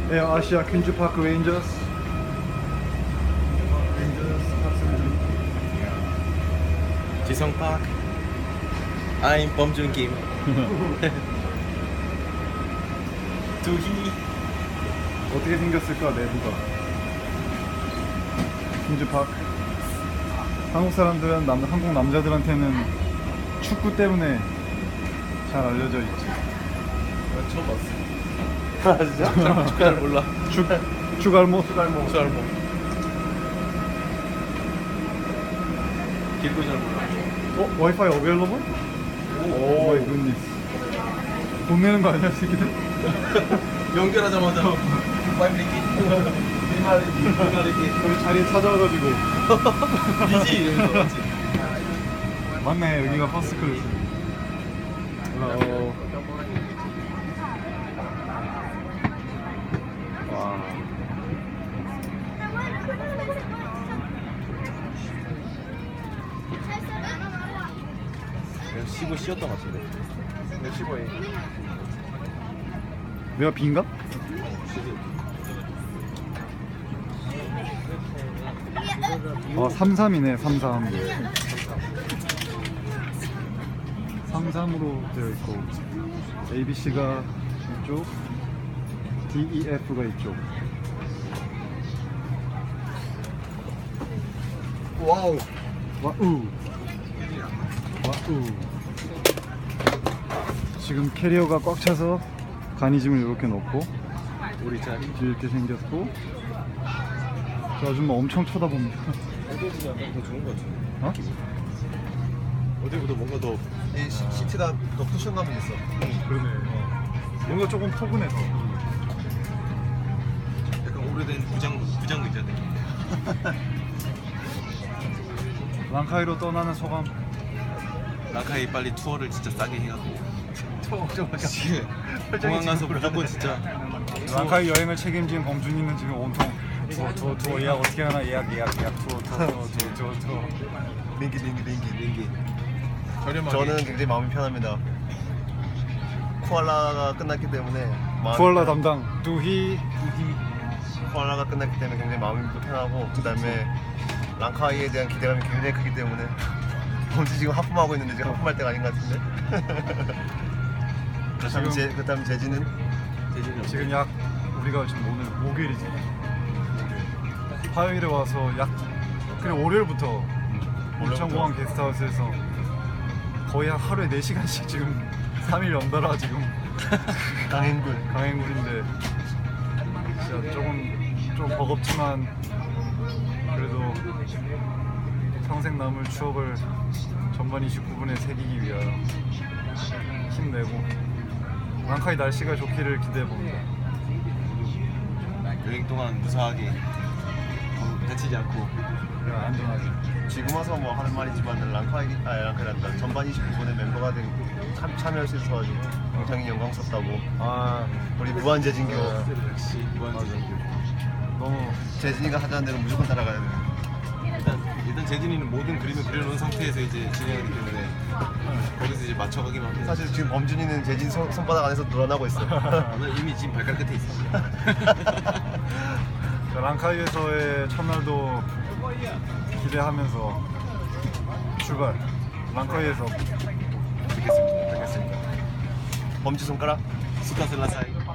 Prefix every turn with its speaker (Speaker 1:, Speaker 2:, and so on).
Speaker 1: 에어 아시아 퀸즈파크 레인저스 탑승
Speaker 2: 지성파크. I'm 범준 김. 두희.
Speaker 1: 어떻게 생겼을까 내부가. 퀸즈파크. 한국 사람들은 한국 남자들한테는 축구 때문에 잘 알려져 있지.
Speaker 2: 처음 봤어. 아 진짜? 축구 잘 몰라.
Speaker 1: 축알모.
Speaker 2: 잘 길고 잘 몰라.
Speaker 1: 와이파이 어베일러블? 오 마이 굿니스. 돈 내는 거 아니야 새끼들?
Speaker 2: 연결하자마자 와이프리키.
Speaker 1: 그럼 자리에 찾아와가지고
Speaker 2: 이지 이러면서 맞지?
Speaker 1: 맞네 여기가 퍼스트 클래스. 와
Speaker 2: 내가 쉬고 쉬었던 것 같은데. 내가 쉬고 해.
Speaker 1: 내가 B인가? 아 33이네 33 33으로 되어 있고 ABC가 이쪽 DEF가 이쪽.
Speaker 2: 와우.
Speaker 1: 와우 와우. 지금 캐리어가 꽉 차서 간이짐을 이렇게 넣고
Speaker 2: 우리 자리.
Speaker 1: 이렇게 생겼고 저 아줌마 엄청 쳐다봅니다.
Speaker 2: 어디보다 약간 더 좋은 것 같아.
Speaker 1: 어?
Speaker 2: 어디보다 뭔가 더 시트가 더 쿠션감이 있어.
Speaker 1: 그러네. 뭔가 조금 포근해서.
Speaker 2: 약간 오래된 부장 의자 느낌.
Speaker 1: 랑카이로 떠나는 소감.
Speaker 2: 라카이 빨리 투어를 진짜 싸게 해갖고. 지금 공항 가서 무조건 진짜.
Speaker 1: 랑카이 여행을 책임진 범준이는 지금 온통 투어 예약 어떻게 하나 예약 투어
Speaker 2: 링기. 저는 굉장히 마음이 편합니다. 쿠알라가 끝났기 때문에
Speaker 1: 쿠알라 담당 두희.
Speaker 2: 쿠알라가 끝났기 때문에 굉장히 마음이 편하고, 그 다음에 랑카이에 대한 기대감이 굉장히 크기 때문에 뭔지 지금 하품하고 있는데 지금 하품할 때가 아닌 것 같은데. 그다음 재진은
Speaker 1: 지금 약 우리가 지금 오늘 목요일이지. 화요일에 와서 약 그래 월요일부터 인천공항 게스트하우스에서 거의 한 하루에 4시간씩 지금 3일 연달아 지금 강행군인데 진짜 좀 버겁지만 그래도 평생 남을 추억을 전반 29분에 새기기 위하여 힘내고 랑카이 날씨가 좋기를 기대해봅니다.
Speaker 2: 여행 동안 무사하게 다치지 않고
Speaker 1: 안전하게.
Speaker 2: 지금 와서 뭐 하는 말이지만 랑카이란다 전반 29분에 멤버가 참여할 수 있어가지고 굉장히 영광스럽다고. 우리 무한재진교. 역시 무한재진교.
Speaker 1: 너무
Speaker 2: 재진이가 하자는 대로 무조건 따라가야 돼. 일단 재진이는 모든 그림을 그려놓은 상태에서 이제 진행하기 때문에 거기서 이제 맞춰가기만 하면. 사실 지금 범준이는 재진 손바닥 안에서 놀아나고 있어. 난 이미 지금 발가락 끝에 있어.
Speaker 1: 랑카이에서의 첫날도 기대하면서 출발. 랑카이에서
Speaker 2: 뵙겠습니다. 범지 손가락 스카슬라 사이.